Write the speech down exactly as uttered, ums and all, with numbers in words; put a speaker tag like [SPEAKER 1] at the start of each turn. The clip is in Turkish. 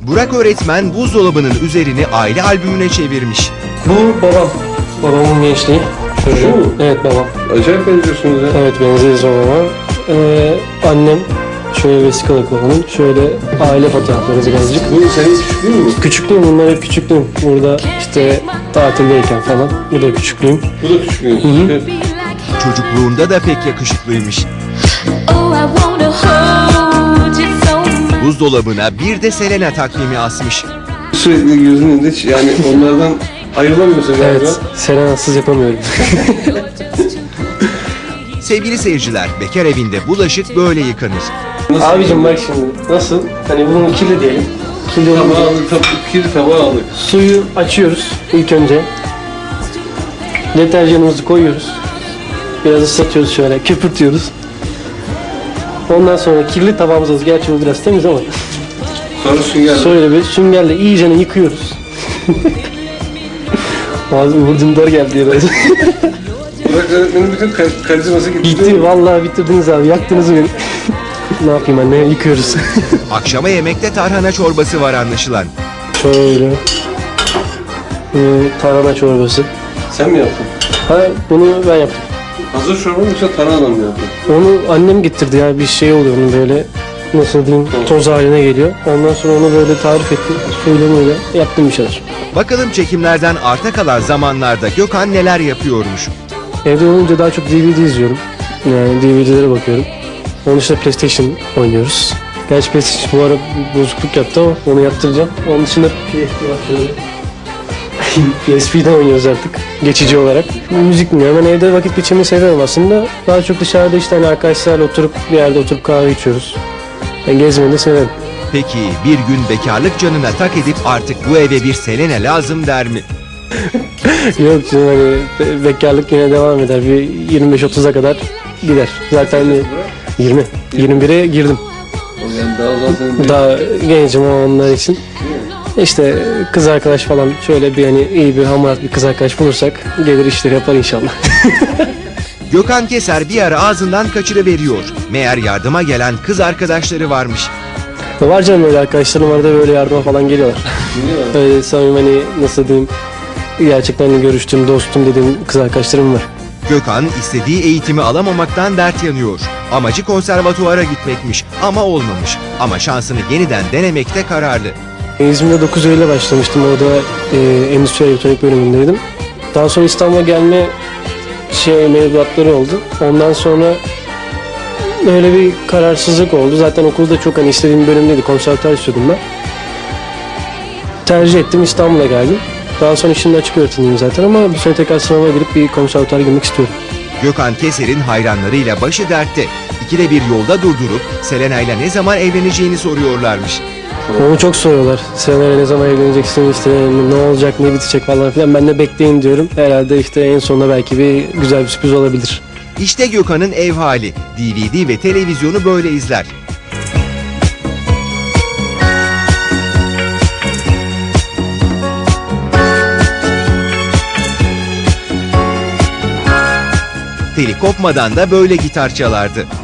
[SPEAKER 1] Burak öğretmen buzdolabının üzerini aile albümüne çevirmiş.
[SPEAKER 2] Bu babam. Babamın gençliği. Çocuğu.
[SPEAKER 3] mu?
[SPEAKER 2] Evet babam.
[SPEAKER 3] Acayip benziyorsunuz ya.
[SPEAKER 2] Evet benzeriz babama. Ee, annem şöyle vesikalık babanın. Şöyle aile fotoğrafları birazcık.
[SPEAKER 3] Bu senin küçüklüğün mü?
[SPEAKER 2] Küçüklüğüm, bunlar hep küçüklüğüm. Burada işte tatildeyken falan. Bu da küçüklüğüm.
[SPEAKER 3] Bu da küçüklüğün.
[SPEAKER 2] Hı hı.
[SPEAKER 1] Çocukluğunda da pek yakışıklıymış. Buzdolabına bir de Selena takvimi asmış.
[SPEAKER 3] Sürekli gözünün önünde hiç yani onlardan ayrılamıyorsun galiba.
[SPEAKER 2] Evet, Selena'sız yapamıyorum.
[SPEAKER 1] Sevgili seyirciler, bekar evinde bulaşık böyle yıkanır.
[SPEAKER 3] Nasıl
[SPEAKER 2] Abicim bak şimdi nasıl? Hani bunun kirli diyelim. Kirli olunca
[SPEAKER 3] tabağı aldık, tab kir tabağı aldık.
[SPEAKER 2] suyu açıyoruz ilk önce. Deterjanımızı koyuyoruz. Biraz ıslatıyoruz şöyle, köpürtüyoruz. Ondan sonra kirli tabağımızı, gerçi bu biraz temiz ama
[SPEAKER 3] Sonra sünger.
[SPEAKER 2] şöyle bir süngerle iyicene yıkıyoruz. Ağzım vurdumdar geldi ya.
[SPEAKER 3] Burak öğretmenin bütün kar karizması gitti.
[SPEAKER 2] Gitti vallahi, bitirdiniz abi, yaktınız beni. Ne yapayım anne, yıkıyoruz.
[SPEAKER 1] Akşama yemekte tarhana çorbası var anlaşılan.
[SPEAKER 2] Şöyle. Ee, tarhana çorbası.
[SPEAKER 3] Sen mi yaptın?
[SPEAKER 2] Ha, bunu ben yaptım.
[SPEAKER 3] Hazır çorba mı yoksa tarhana mı yaptın?
[SPEAKER 2] Onu annem getirdi ya, bir şey oluyor onun böyle, nasıl diyeyim, toz haline geliyor. Ondan sonra onu böyle tarif ettim. Suyla böyle yaptım bir şeyler.
[SPEAKER 1] Bakalım çekimlerden arta kalan zamanlarda Gökhan neler yapıyormuş.
[SPEAKER 2] Evde olunca daha çok D V D izliyorum. Yani D V D'lere bakıyorum. Onun dışında PlayStation oynuyoruz. Gerçi PlayStation bu ara bozukluk yaptı ama onu yaptıracağım. Onun dışında P S P var şöyle. P S P'den oynuyoruz artık geçici olarak. Müzik dinliyorum. Ben evde vakit geçirmeyi seviyorum aslında. Daha çok dışarıda işte hani arkadaşlarla oturup bir yerde oturup kahve içiyoruz. Ben gezmeyi de severim.
[SPEAKER 1] Peki bir gün bekarlık canına tak edip artık bu eve bir Selena lazım der mi?
[SPEAKER 2] Yok canım, hani be- bekarlık yine devam eder. Bir yirmi beş otuza kadar gider. Zaten yirmi. yirmi bire girdim.
[SPEAKER 3] O yani daha zaten
[SPEAKER 2] Daha gencim o onlar için. İşte kız arkadaş falan, şöyle bir hani iyi bir hamarat bir kız arkadaş bulursak gelir işleri yapar inşallah.
[SPEAKER 1] Gökhan Keser bir ara ağzından kaçırıveriyor. Meğer yardıma gelen kız arkadaşları varmış.
[SPEAKER 2] Var canım, öyle arkadaşlarım var da böyle yardıma falan geliyorlar.
[SPEAKER 3] biliyorlar.
[SPEAKER 2] Öyle samimi, hani nasıl diyeyim, gerçekten hani görüştüğüm, dostum dediğim kız arkadaşlarım var.
[SPEAKER 1] Gökhan istediği eğitimi alamamaktan dert yanıyor. Amacı konservatuvara gitmekmiş ama olmamış. Ama şansını yeniden denemekte kararlı.
[SPEAKER 2] İzmir'de dokuz Eylül'e başlamıştım. Orada e, endüstri elektronik bölümündeydim. Daha sonra İstanbul'a gelme şey mevduatları oldu. Ondan sonra öyle bir kararsızlık oldu. Zaten okulda çok hani istediğim bölümdeydi. Konservatuar istiyordum ben. Tercih ettim, İstanbul'a geldim. Daha sonra şimdi açık öğretimdeyim zaten ama bu sene tekrar sınava girip bir konservatuara girmek istiyorum.
[SPEAKER 1] Gökhan Keser'in hayranlarıyla başı dertte. İkide bir yolda durdurup Selena ile ne zaman evleneceğini soruyorlarmış.
[SPEAKER 2] Onu çok soruyorlar. Seneye ne zaman evleneceksin, işte ne olacak, ne bitecek falan filan. Ben de bekleyin diyorum. Herhalde işte en sonunda belki bir güzel bir sürpriz olabilir.
[SPEAKER 1] İşte Gökhan'ın ev hali. D V D ve televizyonu böyle izler. Teli kopmadan da böyle gitar çalardı.